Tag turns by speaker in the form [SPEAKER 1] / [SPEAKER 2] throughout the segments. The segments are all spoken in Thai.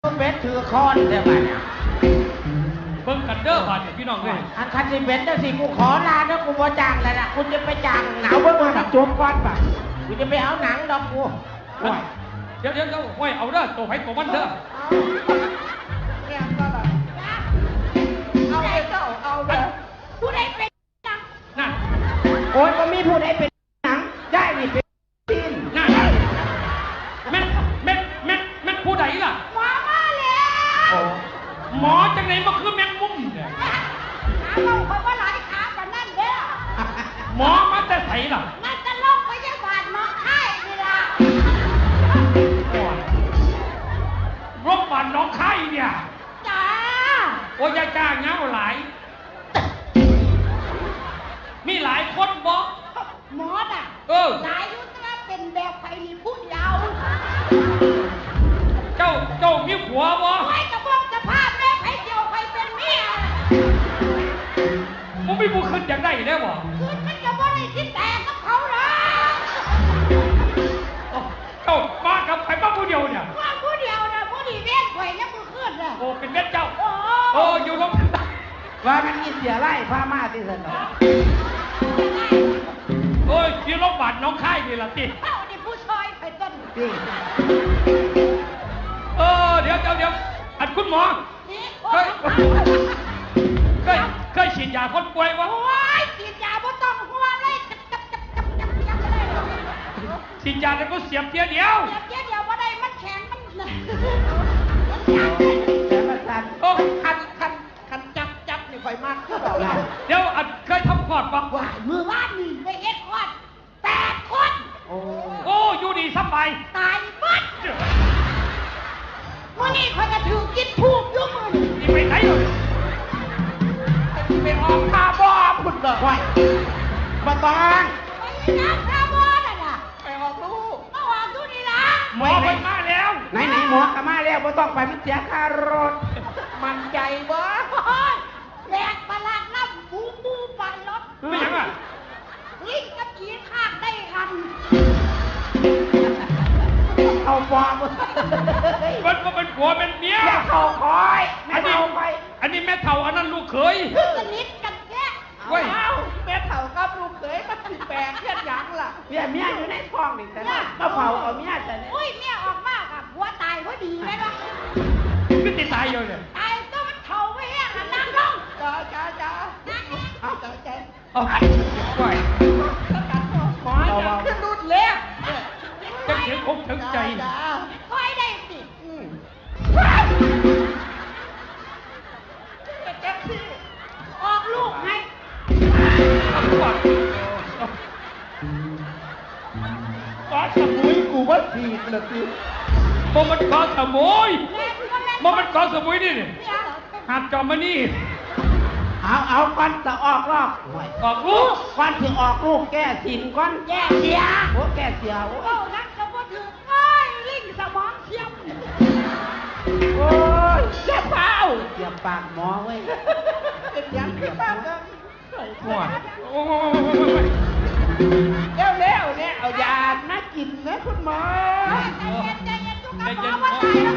[SPEAKER 1] เบ็ดถือคอนได้ไหม
[SPEAKER 2] เบิ่งกันเด้อบาดเนี่ยพี่น้องเลย
[SPEAKER 1] อันคันสิเบ็ดได้สิกูขอลาเด้อกูบ่จ้างแล้วนะคุณจะไปจ้างหนาวเบิ่งมาจบก่อนป่ะกูจะไปเอาหนังดอกกู
[SPEAKER 2] เดี๋ยวห้วยเอาเด้อตัวไผ่ตัวมันเด้อ
[SPEAKER 1] เอาเลยเจ้าเอาเลยผู้ใดเป็นหนัง
[SPEAKER 2] น่ะ
[SPEAKER 1] โอ้ยก็มีผู้ใดเป็นหนังได้นี่เป็นทีน
[SPEAKER 2] น่ะแม่ผู้ใดล่ะ
[SPEAKER 1] หมอมาแล้ว
[SPEAKER 2] หมอจังไหนมาคือแมงมุมเนี่ย
[SPEAKER 1] หาเราคอยว่าหลายขาปานนั่นเด้อ
[SPEAKER 2] หมอมาแต่ไสล่ะ
[SPEAKER 1] นั่นจะลงพยาบาลน้องไข่นี่ล่ะ
[SPEAKER 2] โรงพยาบาลน้องไข่เนี่ย
[SPEAKER 1] จ้า
[SPEAKER 2] โอ้ยจ้าเงาหลายมีหลายคนบอก
[SPEAKER 1] หมอน่ะหลายยุทธเป็นแบบไผ่พูดยาว
[SPEAKER 2] เจ้ามีผัวบ่
[SPEAKER 1] ไอ้กระบอกสภาพแม่ไผ่เดียวไผ่เป็นเมีย
[SPEAKER 2] มึงไม่บุขึ้นอย่างได้ได้บ่
[SPEAKER 1] ขึ้นมันจะบ่ได้คิดแต่กับเขาหรอก
[SPEAKER 2] เจ้ามากับใครบ้างผู้เดียวเนี่ย
[SPEAKER 1] มาผู้เดียวนะผู้ดีเว้นไผ่เนี่ยมึงขึ้นน่ะ
[SPEAKER 2] โอ้เป็นเม็ดเจ้าอยู่ลง
[SPEAKER 1] ว่ามันมีเสียไล่พามาที่สนอง
[SPEAKER 2] โอ้ยที่โรงพยาบาลน้องค่ายนี่ล่ะติ
[SPEAKER 1] เอ้านี่ผู้ชายไผ่ต้น
[SPEAKER 2] เดี๋ยวอันคุณหมอเคยฉีดยาคนป่วยวะ
[SPEAKER 1] โอ้ยฉีดยาบ่ต้องหัวเลย
[SPEAKER 2] ฉีดยาแล้วก็เสียบเดียว
[SPEAKER 1] บ่ได้มันแข็งมันแต่มันสั่นคันจับนี่ค่อยมากคือเปล่า
[SPEAKER 2] เดี๋ยวอันเคยทำคลอดปะ
[SPEAKER 1] ว่ามือว่านนี่ไปเอ็ดคลอด8 คน
[SPEAKER 2] โอ้อยู่ดีสบาย
[SPEAKER 1] ตายหมดวันนี้เขาจะถือกินทูบยุ่งมือ
[SPEAKER 2] นี่ไปไหนเลย
[SPEAKER 1] ไปออกคาร์บอนคุณเด้อไว้มาตองไปน้ำคาร์บอนน่ะไปออกลูกเอาออกดูนี่ล่ะ
[SPEAKER 2] หมอไปมาแล้ว
[SPEAKER 1] ไหนหมอก็มาแล้วไม่ต้องไปมันเสียค่ารถมันใจบ่แหลกประหลาดน้ำบูปั่นรถ
[SPEAKER 2] ไม่ยังอ่ะ
[SPEAKER 1] ลิงกับขี่ข้างได้กันเอาฟอม
[SPEAKER 2] มันก็เป็นผัวเป็นเมีย
[SPEAKER 1] เขาคอย
[SPEAKER 2] อันนี้แม่เฒ่าอันนั้นลูกเขย
[SPEAKER 1] สนิทกันแค่แม่เฒ่ากับลูกเขยมันแปลกแค่ยังล่ะเมียอยู่ในท้องนี่แต่ก็เผาเอาเมียแต่เนี่ยเมียออกมากอ่ะผัวตายพอดีเลยนะ
[SPEAKER 2] ไม่ติดตายอยู่เนี่ย
[SPEAKER 1] ตายก็มันเฒ่าไว้แห้งนั่งลงจ้าเอาใจ
[SPEAKER 2] เอาไหว
[SPEAKER 1] หมอจะขึ้นรุ่นเล็ก
[SPEAKER 2] จะเขียนคงถึงใจ
[SPEAKER 1] คอยได้สิออกลูกให้
[SPEAKER 2] ก้อนสมุยกูว่าสีนะสิมันก้อนสมุยมันก้อนสมุยนี่หาดจอมมานี่
[SPEAKER 1] เอาก้อนจะออกลูกก้อนถึงออกลูกแก้สินก้อนแก้เสียโอ้แก้เสียโอ้นักก็บ่ถือลิงสมองเทียมโอ้ยเจ็บเปล่าเจ็บปากหมอเว้ยเป็นยังเจ็บปากกัน
[SPEAKER 2] หัว
[SPEAKER 1] เร็วเนี่ยเอายาน่ากินนะคุณหมอใจเย็นจุกกับหมอว่าตายแล้ว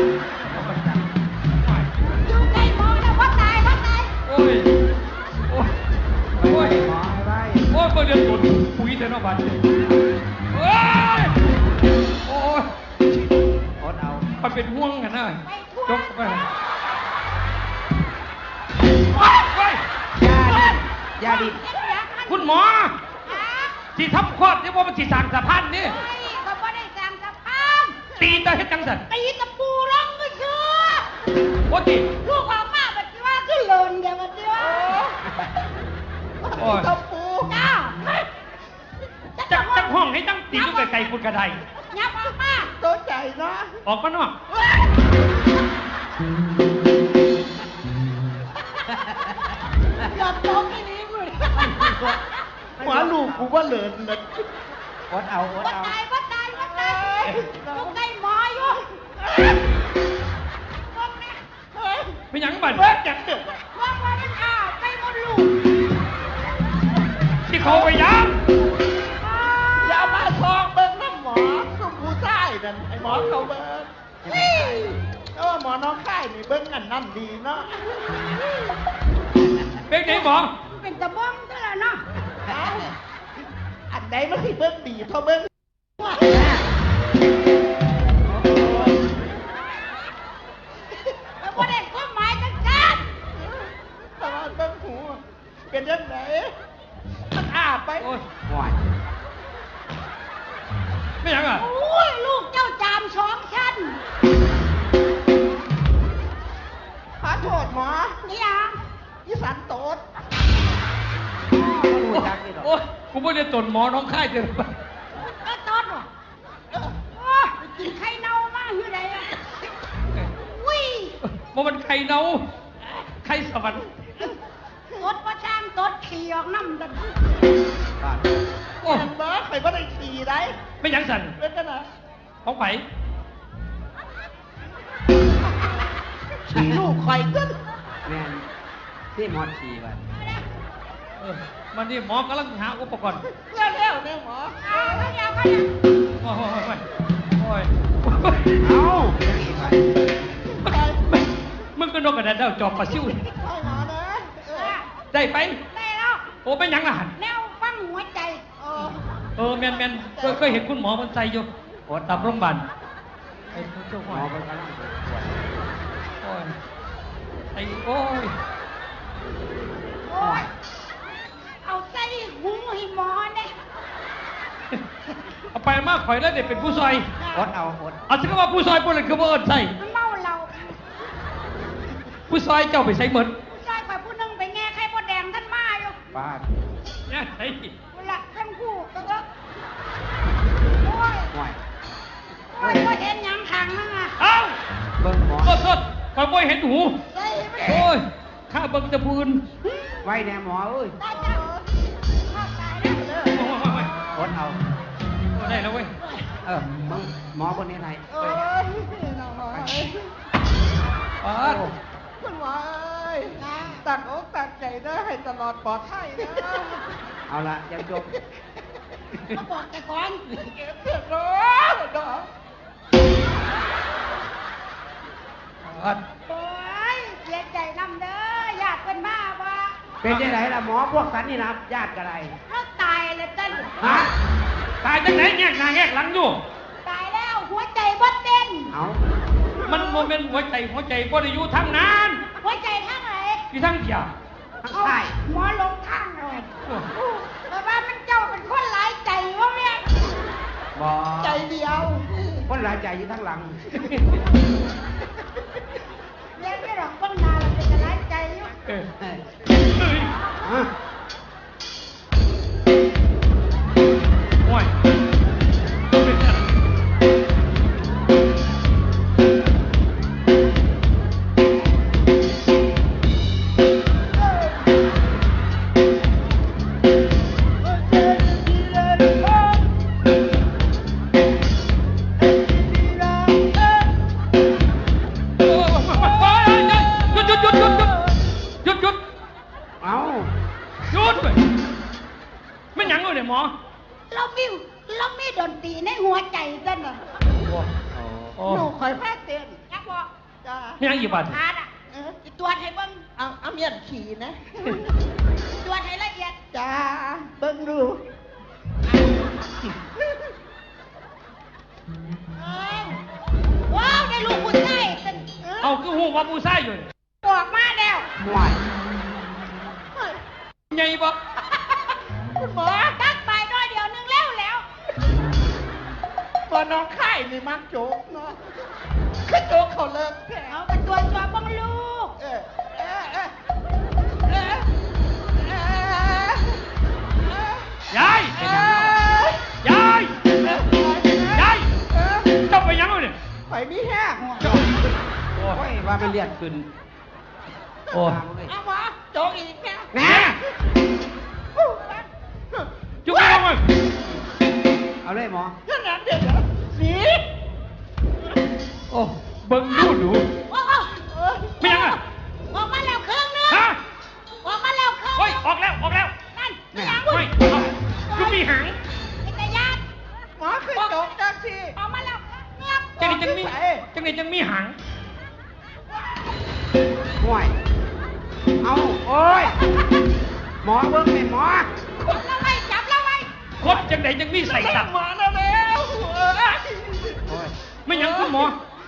[SPEAKER 1] อยู่ใกล้หมอแล้วว่าตาย
[SPEAKER 2] โอ้ยหมอ
[SPEAKER 1] อะไร
[SPEAKER 2] โอ้ยเดือดตุ่นปุ๋ยเทนอบัตโอ้ย
[SPEAKER 1] อดเอา
[SPEAKER 2] มันเป็นห่วงกันนะยกไป
[SPEAKER 1] ยาดิ
[SPEAKER 2] คุณหมอที่ทับคลอดนี่ว่ามันที่สั่งสะพานนี่
[SPEAKER 1] เขาไม่ได้สั่งสะพาน
[SPEAKER 2] ตีตาเฮ็ดจังสัน
[SPEAKER 1] ตีตะปูร้องก็เชื่อ
[SPEAKER 2] โอ้ติ
[SPEAKER 1] ลูกออกมาแบบว่าขึ้นหล่นอย่างเดียวตะปูจ้า
[SPEAKER 2] จักห้องให้ตั้งตีลูกไก่คุณกระได
[SPEAKER 1] ยับออกมาตัวใจนะ
[SPEAKER 2] ออกมาเนาะ
[SPEAKER 1] หลับตรงนี้มึง
[SPEAKER 2] หัวลูกกูว่าเหลินเลย
[SPEAKER 1] อดเอาตายลูกไก่หมออยู่
[SPEAKER 2] ไม่ยังบั่น
[SPEAKER 1] จังเด็กว่ามันอ้าวไปหมดลูก
[SPEAKER 2] ที่เขาไปยัง
[SPEAKER 1] อย่ามาซองเบิ้งน้ำหมอสุภูใต้นั่นไอ้หมอเขาเบิ้งหมอ
[SPEAKER 3] นี่เบิ้งอันนั่นดีเนาะ
[SPEAKER 2] เป็นไหนหมอ
[SPEAKER 1] เป็นตะบ้องเท่านั้นเนาะ
[SPEAKER 3] อันใดมันสิเบิ้งดีเท่าเบิ้งว่า
[SPEAKER 1] แล้วก็ได้ความหมายกันกัน
[SPEAKER 3] ตลอดเบิ้งหูเป็นยังไงมันอาบไป
[SPEAKER 2] โอ้ย
[SPEAKER 1] ห่วย
[SPEAKER 2] ไม่ยังอ่ะ
[SPEAKER 1] โอ้ยลูกเจ้าจามสองชั้น
[SPEAKER 3] ขอโทษหมอ
[SPEAKER 1] นี่อ่ะ
[SPEAKER 3] อีสันโตด
[SPEAKER 2] โอ้ยกูไม่ได้ตนหมอน้องค่ายเจอ
[SPEAKER 1] ก็ต้นว่ะกินไข่เน่ามากอยู่ไหนอ่ะวิ่ง
[SPEAKER 2] มันไข่เน่าไข่สวรรค์
[SPEAKER 1] ตดประช่างตดขี่ออกน้ำดัน
[SPEAKER 2] โอ้
[SPEAKER 3] เห็นบ่ใครบ่ได้ขี่ได้
[SPEAKER 2] ไม่ยังสั่น
[SPEAKER 3] เป็นกันนะ
[SPEAKER 2] ของไผ่
[SPEAKER 3] ขี่ลูกคอยขึ้น
[SPEAKER 1] แม่นที่มอดขี่ไป
[SPEAKER 2] มันนี่หมอกำลังหาอุปกรณ์
[SPEAKER 3] เร็วเนี่ยหมอ
[SPEAKER 1] เอาเขาเดียวเขาเดียว
[SPEAKER 2] โอ้ยโอ้ย
[SPEAKER 1] เอา
[SPEAKER 2] มึงก็นกกระดาษเดาจอบปลาซิ่ว
[SPEAKER 3] ให้หมอนะ
[SPEAKER 2] ได้ไป
[SPEAKER 1] ได้แล้ว
[SPEAKER 2] โอ้เป็นยังล่ะหัน
[SPEAKER 1] แนวฟังหัวใจ
[SPEAKER 2] แมนเคยเห็นคุณหมอมันใส่อยู่โอ้ตามโรงพยาบาลไอ้เจ้าหมอมันกำลังโอ้ยไอ้โอ้ย
[SPEAKER 1] โอ้ยเอาใส่หูให้หมอเนี่ย
[SPEAKER 2] เอาไปมากข่อยแล้วเด็กเป็นผู้ซอย
[SPEAKER 1] อดเอาอด
[SPEAKER 2] เอาสิก็ว่าผู้ซอยพวกนั้นคือว่าเอิญใส่
[SPEAKER 1] มันเมาเรา
[SPEAKER 2] ผู้ซอยเจ้าไปใส่เหมือน
[SPEAKER 1] ผู้ชายฝ่ายผู้หนึงไปแง่ไข่มดแดงท่านมาอยู่
[SPEAKER 4] ป้า
[SPEAKER 2] เนี่ยไอ้
[SPEAKER 1] เวลาทั้งคู่ก็โอ้ย
[SPEAKER 4] ห่วย
[SPEAKER 1] โอ้ยว่าเห็นหยังทางนั่นอ่ะ
[SPEAKER 2] เอ้า
[SPEAKER 4] เบิ้งหมอ
[SPEAKER 2] สดข่อยบ่เห็นหู
[SPEAKER 1] ใส่ไป
[SPEAKER 2] โอ้ยข้าเบิ่งแตะพูน
[SPEAKER 4] ไว้แน่หมอเอ้ย
[SPEAKER 1] ตายจังข้าตายแล้ว
[SPEAKER 2] โอ้ย
[SPEAKER 4] อดเอา
[SPEAKER 2] ได้แล้วเว้ย
[SPEAKER 4] เบิ้งหมอคนนี้ไหน
[SPEAKER 3] โอ้ยน้องหมอ
[SPEAKER 2] อ๋อ
[SPEAKER 3] คุณหมอตักอกตักใจได้ให้ตลอดปลอดภัยนะ
[SPEAKER 4] เอาละยังจบ
[SPEAKER 1] มาบอกแต่ก่อน
[SPEAKER 3] เก็บเสร็จแล้วดอก
[SPEAKER 1] โอ้ยเสียใจนำเด้อญาติเพิ่นมาบ่
[SPEAKER 4] เป็นยังไงล่ะหมอพวกสันนี่นะญาติกันไร
[SPEAKER 1] เขาตายแล้วเต้น
[SPEAKER 4] ฮะ
[SPEAKER 2] ตายจังไหนแงกหน้าแงกหลังอยู่
[SPEAKER 1] ตายแล้วหัวใจบ่เต้น
[SPEAKER 4] เอา
[SPEAKER 2] มันโมเมนต์หัวใจบ่ได้อยู่ทางนั้น
[SPEAKER 1] หัวใจทางไหน
[SPEAKER 2] อยู่ทางเดียว
[SPEAKER 4] ทั้ง
[SPEAKER 1] เอา
[SPEAKER 4] ใต้
[SPEAKER 1] หมอลงทางเลยแต่ว่ามันเจ้าเป็นคนหลายใจวะแม่
[SPEAKER 4] บอ
[SPEAKER 3] ใจเดียว
[SPEAKER 4] คนหลายใจอยู่ทั้งหลัง
[SPEAKER 1] เรียนไม่หรอกบ้างนาเราเป็นหลายใจอยู่
[SPEAKER 2] เออ
[SPEAKER 4] เอ้ย
[SPEAKER 2] เฮ้ย
[SPEAKER 4] ฮะ
[SPEAKER 2] โอ้ยเป็นจัง หยุด
[SPEAKER 4] เอา
[SPEAKER 2] หยุดไปไม่หยังเลยเนี่ยหมอ
[SPEAKER 1] เรามีดนตรีในหัวใจเต้นอ่ะ
[SPEAKER 2] โอ้
[SPEAKER 3] หนูคอยแพ้เต้น
[SPEAKER 1] จักบอก
[SPEAKER 3] จ้า
[SPEAKER 2] ไม่หยังอีกบาท
[SPEAKER 1] ขาดอ่ะสิตรวจให้เบิ่ง
[SPEAKER 3] เอาเมียนขี่นะ
[SPEAKER 1] ตรวจให้ละเอียด
[SPEAKER 3] จ้าเบิ้งดู
[SPEAKER 1] ว้าวได้ลูกผู้ชายเต้น
[SPEAKER 2] เอาคือหูว่าผู้ชายอยู่นี่
[SPEAKER 1] บอกมาแล้ว
[SPEAKER 4] ห่วย
[SPEAKER 2] ใหญ่บ่
[SPEAKER 3] คุณหมอ
[SPEAKER 1] ตักไปน้อยเดียวนึงแล้ว
[SPEAKER 3] ตัวน้องไข่นี่มักโจกเนาะคือโจกเขาเลิกแค่
[SPEAKER 1] เอาไปตรวจสอบบ้างลูก
[SPEAKER 3] เออเออเออเออเออย
[SPEAKER 2] าย
[SPEAKER 3] เออย
[SPEAKER 2] ายยาย
[SPEAKER 3] เออ
[SPEAKER 2] เจ้าไปหยังเลยเนี่ย
[SPEAKER 3] ไปมีแห้ง
[SPEAKER 2] เจ้าโอ้
[SPEAKER 4] โอ้ยว่ามันเลียดขึ้น
[SPEAKER 2] โอ้
[SPEAKER 3] เอาหมอโจกอีกแค่
[SPEAKER 4] แน่
[SPEAKER 2] จุ๊บไปลงเลย
[SPEAKER 4] เอาเลยหมอ
[SPEAKER 3] ขนาดเด็กเหรอหนี
[SPEAKER 2] โอ้เบิ่งดู
[SPEAKER 1] โอ้
[SPEAKER 3] เออ
[SPEAKER 2] ไม่หยังอ่ะ
[SPEAKER 1] ออกมาแล้วเครื่องนึง
[SPEAKER 2] ฮะ
[SPEAKER 1] ออกมาแล้วเครื่อง
[SPEAKER 2] เฮ้ยออกแล้ว
[SPEAKER 1] นั่น
[SPEAKER 4] แม่
[SPEAKER 1] ยัง
[SPEAKER 2] เฮ้ยจุ๊บมีหาง
[SPEAKER 1] จักรยาน
[SPEAKER 3] หมอคือโจกจังสิ
[SPEAKER 1] ออกมาแล้วเงียบ
[SPEAKER 2] จังไหนจังมีหาง
[SPEAKER 4] ห่วยเอาโอ้ยหมอเบิ้งไหมหมอ
[SPEAKER 1] คนละไว้จับละไว้
[SPEAKER 2] กดจังไหนยังมีใส่สับ
[SPEAKER 3] หมอแล้วแล้ว
[SPEAKER 4] โอ้ย
[SPEAKER 2] ไม่ยังคุณหมอ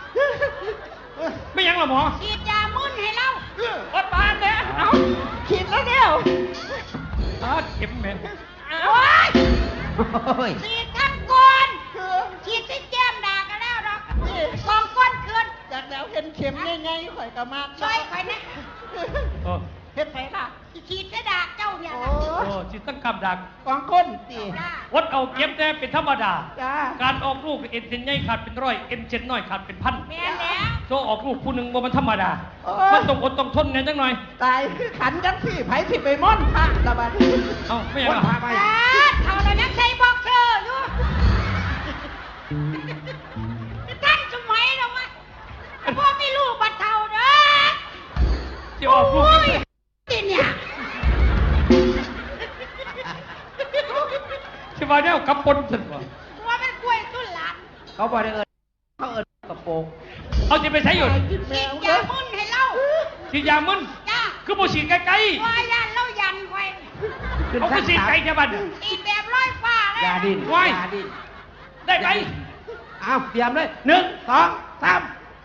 [SPEAKER 2] ไม่ยังหรอหมอ
[SPEAKER 1] ฉีดยามึนให้เรา
[SPEAKER 3] อดบานเนี่ยเอาขีดแล้วเดียว
[SPEAKER 2] เข็มแม่น
[SPEAKER 1] โอ้ย
[SPEAKER 4] โอ้ย
[SPEAKER 1] ฉีดทั้งก้นฉีดที่แก้มด่ากันแล้วดอกกองก้นคืน
[SPEAKER 3] จากแล้วเห็นเข็มง่ายๆข่อยก็มาก
[SPEAKER 1] ช่วยไปนะ
[SPEAKER 2] โอ้
[SPEAKER 3] เฮ็ดไปล่ะ
[SPEAKER 1] ฉีดจะด่าเจ้าเนี่ย
[SPEAKER 3] โอ้
[SPEAKER 1] นะ
[SPEAKER 2] โอ้จิตตั้งกำดัก
[SPEAKER 3] กองก้นตี
[SPEAKER 1] จ้า
[SPEAKER 2] วัดเอาเก็บแต่เป็นธรรมดา
[SPEAKER 3] จ้า
[SPEAKER 2] การออกลูกเอ็นเส้นใหญ่ขาดเป็นร้อยเอ็นเส้นน้อยขาดเป็นพัน
[SPEAKER 1] แม่แล้ว
[SPEAKER 2] โซออกลูกผู้หนึ่งบ่มันธรรมดา มันต้องอดต้องทนเนี่ยจังหน่อย
[SPEAKER 3] ตายคือขันจังสิไผสิไปม่อนพระละบัด
[SPEAKER 2] เอ้าไม่ยัง
[SPEAKER 4] คน
[SPEAKER 2] หรอ
[SPEAKER 4] พาไป
[SPEAKER 1] เขาเลยนักใช้บอกเธออยู่ท่านสมัยเราไหมพ่อไม่ลูกบัดเท่าเด้อ
[SPEAKER 2] จะออกลูก
[SPEAKER 1] โอ้ยนี่เนี่ย
[SPEAKER 2] ใช่ป่ะเนี่ยกับปนสุดวะ
[SPEAKER 1] ว่าเป็นกล้วยตุ้นหลาน
[SPEAKER 4] เขาบอกได้เขากระโปรง
[SPEAKER 2] เอาจะไปใช้อยู่
[SPEAKER 3] กินแม
[SPEAKER 1] ฉีด
[SPEAKER 3] วย
[SPEAKER 1] า
[SPEAKER 3] เด้อ
[SPEAKER 1] มึนให้เรา
[SPEAKER 2] ฉีดยามึน
[SPEAKER 1] จ้า
[SPEAKER 2] คือบ่ฉีดไกล
[SPEAKER 1] ว่ายันเรายันไว้
[SPEAKER 2] ๆเอาคือฉีดไกลจะบัด
[SPEAKER 1] ฉีดแบบร้อยฟ้าเลย
[SPEAKER 4] ยาดิน
[SPEAKER 2] ไว้
[SPEAKER 4] ยาดิน
[SPEAKER 2] ได้ไหม
[SPEAKER 4] เอาเตรียมเลย1 2 3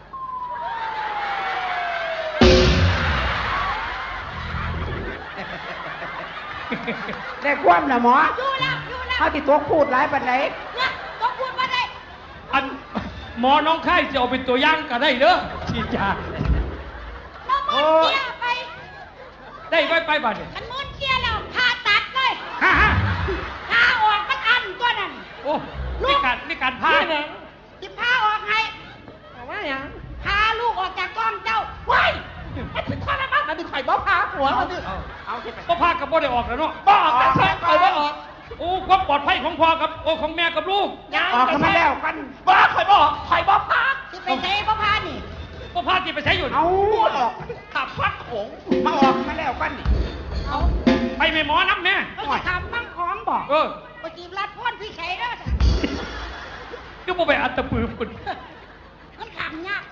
[SPEAKER 4] ได้ความนะหมอ
[SPEAKER 1] อยู่แล้วอยู่แล้ว
[SPEAKER 4] เขาที่ตัวพูดหลายปันไหน
[SPEAKER 1] เนี่ยต้องพูดมาได้
[SPEAKER 2] อันหมอน้องไข้จะเอาเป็นตัวอย่างก็ได้เด้อฉีดยา
[SPEAKER 1] เรามึนเสียไป
[SPEAKER 2] ได้ไว้ไปบัดเนี่ย
[SPEAKER 1] มันมึนเสียแล้วผ่าตัดเลย
[SPEAKER 2] ฮ่าฮ่า
[SPEAKER 1] ผ่าออกมันอันตัวนั้น
[SPEAKER 2] โอ้นี่การพา
[SPEAKER 1] ที่ผ่าออกให้
[SPEAKER 3] เอาว่าหยัง
[SPEAKER 1] พาลูกออกจากกล้องเจ้าว้าย
[SPEAKER 3] มันเป็นข้อละมั้งนั่นดิข่อยบ่พาหัวมันดิ
[SPEAKER 4] เอาที่ไป
[SPEAKER 2] ก็พากับบ่ได้ออกแล้วเนาะ
[SPEAKER 3] บ่ออกแต่ใส่ข่อยบ่ออก
[SPEAKER 2] โอ้ความปลอดภัยของพ่อกับโอ้ของแม่กับลูก
[SPEAKER 4] ออกกันมาแล้วกัน
[SPEAKER 3] บ่ข่อยบ่ออกข่อยบ่พา
[SPEAKER 1] ที่ไปเทพ่อพานี่
[SPEAKER 2] ก็พาที่ไปใช้อยู่
[SPEAKER 4] เอาออก
[SPEAKER 3] ขับฟัดโขง
[SPEAKER 4] มาออกมาแล้วกันนี่
[SPEAKER 1] เอา
[SPEAKER 2] ไปไม่หมอน้ำแม่
[SPEAKER 1] เขาจะทำมั่งของบอก
[SPEAKER 2] เออ
[SPEAKER 1] ปจีบรัดพ่นพี่ไข่เด้อ
[SPEAKER 2] ก็บ่ไปอัตตปือฝุ่น
[SPEAKER 1] มันขำยาก